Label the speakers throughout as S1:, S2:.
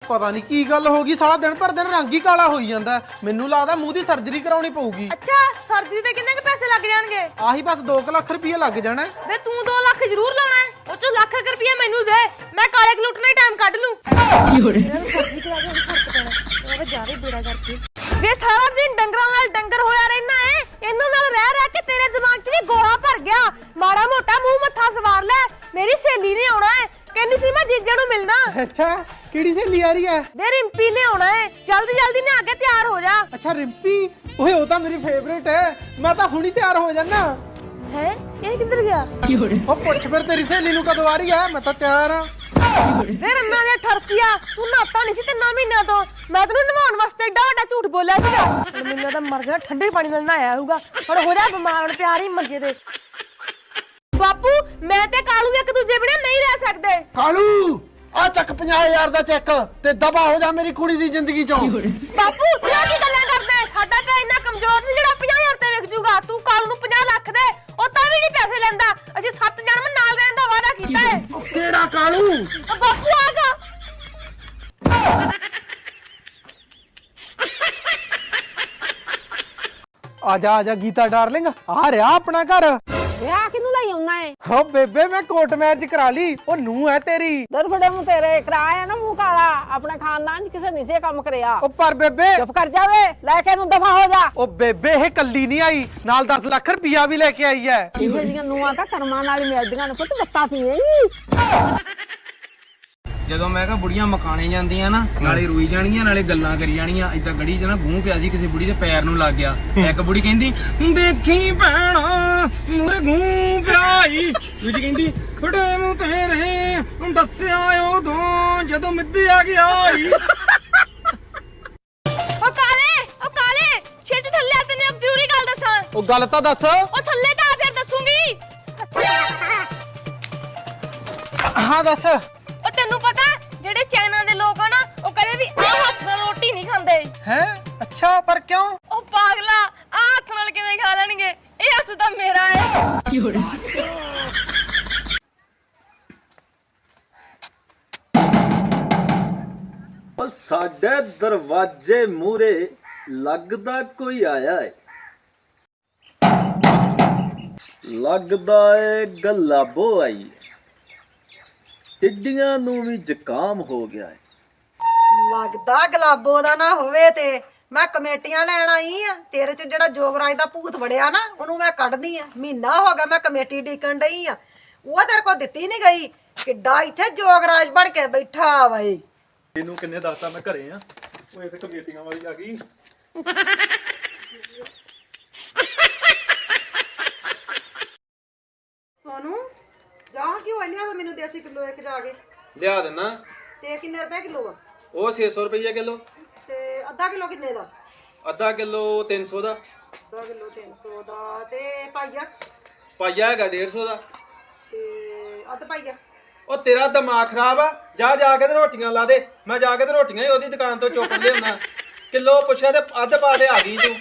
S1: ਪਤਾ ਨਹੀਂ ਕੀ ਗੱਲ ਹੋ ਗਈ, ਸਾਰਾ ਦਿਨ ਭਰ ਦਿਨ ਰੰਗ ਹੀ ਕਾਲਾ ਹੋਈ ਜਾਂਦਾ। ਮੈਨੂੰ ਲੱਗਦਾ ਮੂੰਹ ਦੀ ਸਰਜਰੀ ਕਰਾਉਣੀ ਪਊਗੀ।
S2: ਅੱਛਾ, ਸਰਜਰੀ ਤੇ ਕਿੰਨੇ ਕੁ ਪੈਸੇ ਲੱਗ ਜਾਣਗੇ?
S1: ਆਹੀ ਬਸ 2 ਲੱਖ ਰੁਪਏ ਲੱਗ ਜਾਣਾ।
S2: ਵੇ ਤੂੰ 2 ਲੱਖ ਜ਼ਰੂਰ ਲਾਉਣਾ ਹੈ, ਉਹ ਚੋਂ ਲੱਖ ਰੁਪਏ ਮੈਨੂੰ ਦੇ, ਮੈਂ ਕਾਲੇ ਗਲੂਟਨ ਹੀ ਟਾਈਮ ਕੱਢ ਲੂੰ। ਕੀ ਹੋ ਰਿਹਾ? ਸਰਜਰੀ ਕਰਾ ਕੇ ਫਰਕ ਪੈਣਾ, ਉਹ ਜਾਵੇ ਬੇੜਾ ਕਰਕੇ। ਵੇ ਸਾਰਾ ਦਿਨ ਡੰਗਰਾਂ ਨਾਲ ਡੰਗਰ ਹੋਇਆ ਰਹਿਣਾ ਹੈ, ਇਹਨਾਂ ਨਾਲ ਰਹਿ ਰਹਿ ਕੇ ਤੇਰੇ ਦਿਮਾਗ 'ਚ ਵੀ ਗੋਹਾ ਭਰ ਗਿਆ। ਮਾੜਾ ਮੋਟਾ ਮੂੰਹ ਮੱਥਾ ਸਵਾਰ ਲੈ। ਮੇਰੀ ਸਹੇਲੀ ਨੇ ਆਉਣਾ ਹੈ, ਕਹਿੰਦੀ ਸੀ ਮੈਂ ਜੀਜੇ ਨੂੰ ਮਿਲਣਾ।
S1: ਅੱਛਾ, ਕਿਹੜੀ ਸਹੇਲੀ ਆ ਰਹੀ ਹੈ?
S2: ਵੇ ਰਿੰਪੀ ਨੇ ਆਉਣਾ ਹੈ, ਜਲਦੀ ਜਲਦੀ ਨਾ ਆ ਕੇ ਤਿਆਰ ਹੋ ਜਾ।
S1: ਅੱਛਾ ਰਿੰਪੀ, ਓਏ ਉਹ ਤਾਂ ਮੇਰੀ ਫੇਵਰੇਟ ਹੈ, ਮੈਂ ਤਾਂ ਹੁਣੀ ਤਿਆਰ ਹੋ ਜਾਣਾ।
S2: ਹੈ ਇਹ ਕਿੱਧਰ ਗਿਆ? ਕੀ ਹੋ ਰਿਹਾ?
S1: ਉਹ ਪੁੱਛ ਫਿਰ ਤੇਰੀ ਸਹੇਲੀ ਨੂੰ ਕਦੋਂ ਆ ਰਹੀ ਹੈ, ਮੈਂ ਤਾਂ ਤਿਆਰ ਆ।
S2: ਵੇ ਰੰਨਾ ਦੇ ਠਰਕੀਆ, ਤੂੰ ਨਾਤਾ ਨਹੀਂ ਸੀ 3 ਮਹੀਨਿਆਂ ਤੋਂ। ਮੈਂ ਤੈਨੂੰ ਨਵਾਉਣ ਵਾਸਤੇ ਏਡਾ ਵੱਡਾ ਝੂਠ ਬੋਲਿਆ ਸੀਗਾ। ਹੁਣ ਮੈਨੂੰ ਤਾਂ ਮਰ ਗਿਆ, ਠੰਡੇ ਪਾਣੀ ਨਾਲ ਨਹਾਇਆ ਹੋਊਗਾ। ਹੁਣ ਹੋ ਜਾ ਬਿਮਾਰ, ਪਿਆਰ ਹੀ ਮੰਜੇ ਤੇ। ਬਾਪੂ ਮੈਂ ਤੇ ਕਾਲੂ ਇੱਕ ਦੂਜੇ ਬਿਨਾਂ ਨਹੀਂ ਰਹਿ ਸਕਦੇ।
S3: ਕਾਲੂ ਆ ਚੱਕ 50,000 ਦਾ ਚੈੱਕ ਤੇ ਦਬਾ ਹੋ ਜਾ ਮੇਰੀ ਕੁੜੀ ਦੀ ਜ਼ਿੰਦਗੀ ਚੋਂ।
S2: ਬਾਪੂ ਤੂੰ ਕੀ ਗੱਲਾਂ ਕਰਦਾ? ਸਾਡਾ ਤਾਂ ਇੰਨਾ ਕਮਜ਼ੋਰ ਨਹੀਂ ਜਿਹੜਾ 50,000 ਤੇ ਵਿਕ ਜੂਗਾ। ਤੂੰ ਕਾਲੂ ਨੂੰ 50 ਲੱਖ ਦੇ, ਉਹ ਤਾਂ ਵੀ ਨਹੀਂ ਪੈਸੇ ਲੈਂਦਾ। ਅਜੇ 7 ਜਨਮ ਨਾਲ ਰਹਿਣ ਦਾ ਵਾਅਦਾ ਕੀਤਾ ਹੈ।
S3: ਕਿਹੜਾ ਕਾਲੂ?
S2: ਬਾਪੂ ਆਗਾ।
S1: ਆ ਜਾ ਗੀਤਾ ਡਾਰਲਿੰਗ, ਆ ਰਿਹਾ ਆਪਣਾ ਘਰ।
S4: ਵਿਆਹ ਕਿਨੂੰ ਲਈ ਆਉਣਾ ਹੈ?
S1: ਹੋ ਬੇਬੇ, ਮੈਂ ਕੋਰਟ ਮੈਰਿਜ ਕਰਾ ਲਈ, ਉਹ ਨੂੰਹ ਹੈ ਤੇਰੀ।
S4: ਦਰਫੜੇ ਮੂੰ ਤੇਰੇ ਕਰਾਇਆ ਨਾ ਮੂੰਹ ਕਾਲਾ। ਆਪਣੇ ਖਾਨਦਾਨ ਚ ਕਿਸੇ ਨੇ ਸੇ ਕੰਮ ਕਰਿਆ।
S1: ਉਹ ਪਰ ਬੇਬੇ
S4: ਚੁੱਪ ਕਰ ਜਾਵੇ, ਲੈ ਕੇ ਨੂੰ ਦਫਾ ਹੋ ਜਾ।
S1: ਉਹ ਬੇਬੇ ਇਹ ਕੱਲੀ ਨਹੀਂ ਆਈ, ਨਾਲ 10 ਲੱਖ ਰੁਪਇਆ ਵੀ ਲੈ ਕੇ ਆਈ ਹੈ।
S4: ਇਹੋ ਜਿਹੀਆਂ ਨੂੰਹਾਂ ਤਾਂ ਕਰਮਾਂ ਨਾਲ ਹੀ ਮਿਲਦੀਆਂ ਨੇ ਪੁੱਤ, ਬੱਤਾ ਪੀਏਗੀ।
S5: ਜਦੋਂ ਮੈਂ ਕਿਹਾ ਬੁੜੀਆਂ ਮਕਾਣੇ ਜਾਂਦੀਆਂ ਨਾ, ਨਾਲੇ ਰੋਈ ਜਾਣਗੀਆਂ ਨਾਲੇ ਗੱਲਾਂ ਕਰੀ ਜਾਣਗੀਆਂ। ਏਦਾਂ ਗੜੀ 'ਚ ਨਾ ਗੂੰ ਪਿਆ ਸੀ, ਕਿਸੇ ਬੁੜੀ ਦੇ ਪੈਰ ਨੂੰ ਲੱਗ ਗਿਆ। ਇੱਕ ਬੁੜੀ ਕਹਿੰਦੀ ਦੇਖੀ ਭੈਣਾ ਮੂਰੇ ਗੂੰ ਪਿਆਈ, ਦੂਜੀ ਕਹਿੰਦੀ ਫੜੇ ਮੂੰਹ ਤੇਰੇ ਦੱਸਿਆ ਉਦੋਂ ਜਦੋਂ ਮਿੱਧੀ ਆ ਗਿਆ।
S2: ਉਹ ਕਾਲੇ ਛੇਤੀ ਥੱਲੇ ਆ, ਤੈਨੂੰ ਇੱਕ ਜ਼ਰੂਰੀ ਗੱਲ ਦੱਸਾਂ।
S1: ਉਹ ਗੱਲ ਤਾਂ ਦੱਸ।
S2: ਉਹ ਥੱਲੇ ਤਾਂ ਆ, ਫਿਰ ਦੱਸੂਗੀ।
S1: ਹਾਂ ਦੱਸ।
S2: ਉਹ ਤੈਨੂੰ ਪਤਾ ਜਿਹੜੇ ਚਾਈਨਾ ਦੇ ਲੋਕ ਆ ਨਾ, ਉਹ ਕਦੇ ਵੀ ਆਹ ਹੱਥ ਨਾਲ ਰੋਟੀ ਨਹੀਂ ਖਾਂਦੇ।
S1: ਹੈ? ਅੱਛਾ, ਪਰ ਕਿਉਂ?
S2: ਉਹ ਪਾਗਲਾ, ਆਹ ਹੱਥ ਨਾਲ ਕਿਵੇਂ ਖਾ ਲੈਣਗੇ? ਇਹ ਹੱਥ ਤਾਂ ਮੇਰਾ ਹੈ। ਕੀ ਹੋ ਰਿਹਾ?
S6: ਉਹ ਸਾਡੇ ਦਰਵਾਜ਼ੇ ਮੂਹਰੇ ਲੱਗਦਾ ਕੋਈ ਆਇਆ ਏ। ਲੱਗਦਾ ਏ ਗਲਾਬੋ ਆਈ। ਟਿੱਡੀਆਂ ਨੂੰ ਵੀ ਜ਼ੁਕਾਮ ਹੋ ਗਿਆ ਏ।
S7: ਲੱਗਦਾ ਗਲਾਬੋ ਦਾ ਨਾ ਹੋਵੇ ਤੇ ਮੈਂ ਕਮੇਟੀਆਂ ਲੈਣ ਆਈ ਆ। ਤੇਰੇ ਚ ਜਿਹੜਾ ਜੋਗਰਾਜ ਦਾ ਭੂਤ ਵੜਿਆ ਨਾ, ਉਹਨੂੰ ਮੈਂ ਕੱਢਦੀ ਆ। ਮਹੀਨਾ ਹੋ ਗਿਆ ਮੈਂ ਕਮੇਟੀ ਡੀਕਣ ਡਈ ਆ, ਉਹ ਤੇਰੇ ਕੋਲ ਦਿੱਤੀ ਨਹੀਂ ਗਈ। ਕਿੱਡਾ ਇੱਥੇ ਜੋਗਰਾਜ ਬਣ ਕੇ ਬੈਠਾ ਵਾ।
S8: ਇਹਨੂੰ ਕਿੰਨੇ ਦੱਸਤਾ ਮੈਂ ਘਰੇ ਆ, ਉਹ ਇਹ ਤੇ ਕਮੇਟੀਆਂ ਵਾਲੀ ਆ ਗਈ।
S7: ਸੋਨੂੰ ਜਾ ਕਿਉਂ ਲਿਆ ਮੈਨੂੰ ਦੇਸੀ ਕਿਲੋ ਇੱਕ ਜਾ ਕੇ
S5: ਲਿਆ ਦੇਣਾ।
S7: ਤੇ ਕਿੰਨੇ ਰੁਪਏ ਕਿਲੋ ਆ?
S5: ਉਹ 600 ਰੁਪਏ ਕਿਲੋ।
S7: ਤੇ ਅੱਧਾ ਕਿਲੋ ਕਿੰਨੇ ਦਾ?
S5: ਅੱਧਾ ਕਿਲੋ 300 ਦਾ।
S7: ਅੱਧਾ ਕਿਲੋ 300 ਦਾ। ਤੇ ਪਾਈਆ?
S5: ਪਾਈਆ ਹੈਗਾ 150 ਦਾ।
S7: ਤੇ ਅੱਧ ਪਾਈਆ?
S5: ਉਹ ਤੇਰਾ ਦਿਮਾਗ ਖਰਾਬ ਆ, ਜਾ ਕੇ ਤੇ ਰੋਟੀਆਂ ਲਾ ਦੇ। ਮੈਂ ਜਾ ਕੇ ਤੇ ਰੋਟੀਆਂ ਹੀ ਉਹਦੀ ਦੁਕਾਨ ਤੋਂ ਚੁੱਕ ਲਿਆਉਣਾ। ਕਿਲੋ ਪੁੱਛਿਆ ਤੇ ਅੱਧ ਪਾ ਦੇ, ਆ ਗਈ ਤੂੰ।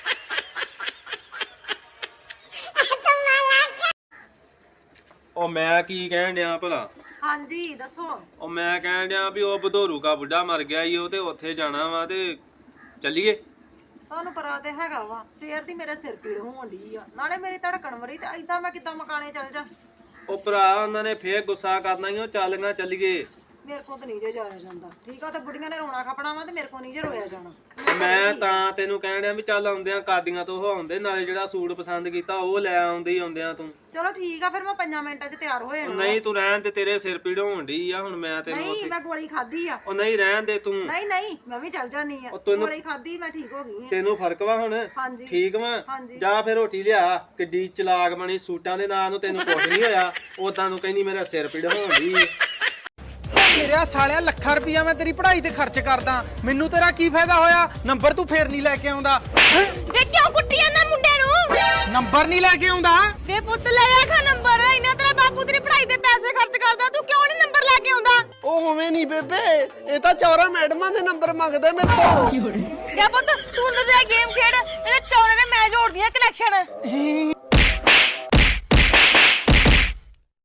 S5: ਉਹ ਮੈਂ ਕੀ ਕਹਿਣ ਡਿਆ ਭਲਾ?
S7: ਹਾਂਜੀ ਦੱਸੋ।
S5: ਉਹ ਮੈਂ ਕਹਿਣ ਡਿਆ ਵੀ ਉਹ ਬਧੋਰੂ ਕਾ ਬੁੱਢਾ ਮਰ ਗਿਆ ਈ, ਉਹ ਤੇ ਉੱਥੇ ਜਾਣਾ ਵਾ ਤੇ ਚੱਲੀਏ।
S7: ਤੁਹਾਨੂੰ ਪਤਾ ਤੇ ਹੈਗਾ ਵਾ, ਸਵੇਰ ਦੀ ਮੇਰੇ ਸਿਰ ਪੀੜ ਹੋਣ ਡਈ ਆ, ਨਾਲੇ ਮੇਰੀ ਧੜਕਣ ਵਰੀ। ਤੇ ਏਦਾਂ ਮੈਂ ਕਿੱਦਾਂ ਮਕਾਣੇ ਚੱਲ ਜਾ?
S5: ਉਹ ਭਰਾ ਉਹਨਾਂ ਨੇ ਫੇਰ ਗੁੱਸਾ ਕਰਨਾ ਈ, ਉਹ ਚੱਲੀਆਂ ਚੱਲੀਏ।
S7: ਮੇਰੇ ਕੋਲ ਤਾਂ ਨਹੀਂ ਜੇ ਜਾਇਆ ਜਾਂਦਾ। ਠੀਕ ਆ, ਤੇ ਬੁੜੀਆਂ ਨੇ ਰੋਣਾ ਖਪਣਾ ਵਾ, ਤੇ ਮੇਰੇ ਕੋਲ ਨਹੀਂ ਜੇ ਰੋਇਆ ਜਾਣਾ।
S5: ਮੈਂ ਤਾਂ ਤੈਨੂੰ ਕਹਿਣ ਡਿਆ ਵੀ ਚੱਲ ਆਉਂਦਿਆਂ ਕਾਦੀਆਂ ਤੋਂ ਆਉਂਦੇ, ਨਾਲੇ ਜਿਹੜਾ ਸੂਟ ਪਸੰਦ ਕੀਤਾ ਉਹ ਲੈ ਆਉਂਦੀ ਆਉਂਦਿਆਂ ਤੂੰ।
S7: ਚਲੋ ਠੀਕ ਆ, ਫਿਰ ਮੈਂ 5 ਮਿੰਟਾਂ 'ਚ ਤਿਆਰ ਹੋ ਜਾਣਾ।
S5: ਨਹੀਂ ਤੂੰ ਰਹਿਣ ਤੇ, ਤੇਰੇ ਸਿਰ ਪੀੜ ਹੋਣ ਡਈ ਆ। ਹੁਣ ਮੈਂ ਤੈਨੂੰ
S7: ਨਹੀਂ, ਮੈਂ ਗੋਲੀ ਖਾਧੀ ਆ।
S5: ਉਹ ਨਹੀਂ ਰਹਿਣ ਦੇ ਤੂੰ।
S7: ਨਹੀਂ ਮੈਂ ਵੀ ਚੱਲ ਜਾਨੀ ਆ। ਗੋਲੀ ਖਾਧੀ, ਮੈਂ ਠੀਕ ਹੋ ਗਈ ਆ।
S5: ਤੈਨੂੰ ਫਰਕ ਵਾ ਹੁਣ?
S7: ਹਾਂਜੀ
S5: ਠੀਕ ਵਾ।
S7: ਹਾਂਜੀ।
S5: ਜਾ ਫਿਰ ਰੋਟੀ ਲਿਆ। ਕਿੱਡੀ ਚਲਾਕ ਬਣੀ, ਸੂਟਾਂ ਦੇ ਨਾਂ ਨੂੰ ਤੈਨੂੰ ਕੁਝ ਨਹੀਂ ਹੋਇਆ, ਉਦਾਂ ਨੂੰ ਕਹਿੰਦੀ ਮੇਰਾ ਸਿਰ ਪੀੜ ਹੋਣ ਡਈ।
S1: ਮੇਰਾ ਸਾਲਿਆ, ਲੱਖਾਂ ਰੁਪਇਆ ਮੈਂ ਤੇਰੀ ਪੜ੍ਹਾਈ ਤੇ ਖਰਚ ਕਰਦਾ, ਮੈਨੂੰ ਤੇਰਾ ਕੀ ਫਾਇਦਾ ਹੋਇਆ? ਨੰਬਰ ਤੂੰ ਫੇਰ ਨਹੀਂ ਲੈ ਕੇ ਆਉਂਦਾ।
S2: ਵੇ ਕਿਉਂ ਕੁੱਟੀ ਜਾਂਦਾ ਮੁੰਡੇ ਨੂੰ?
S1: ਨੰਬਰ ਨਹੀਂ ਲੈ ਕੇ ਆਉਂਦਾ?
S2: ਵੇ ਪੁੱਤ ਲੈ ਆ ਖਾ ਨੰਬਰ। ਇਹਨਾਂ ਤੇਰਾ ਬਾਪੂ ਤੇਰੀ ਪੜ੍ਹਾਈ ਤੇ ਪੈਸੇ ਖਰਚ ਕਰਦਾ, ਤੂੰ ਕਿਉਂ ਨਹੀਂ ਨੰਬਰ ਲੈ ਕੇ ਆਉਂਦਾ?
S3: ਉਹ ਉਵੇਂ ਨਹੀਂ ਬੇਬੇ, ਇਹ ਤਾਂ ਚੌਰਾ ਮੈਡਮਾਂ ਦੇ ਨੰਬਰ ਮੰਗਦੇ ਮੇਰੇ ਤੋਂ।
S2: ਜਾ ਪੁੱਤ ਤੂੰ ਅੰਦਰ ਜਾ ਗੇਮ ਖੇਡ, ਇਹਦੇ ਚੌਰੇ ਨੇ ਮੈਚ ਹੋੜਦੀਆਂ ਕਨੈਕਸ਼ਨ।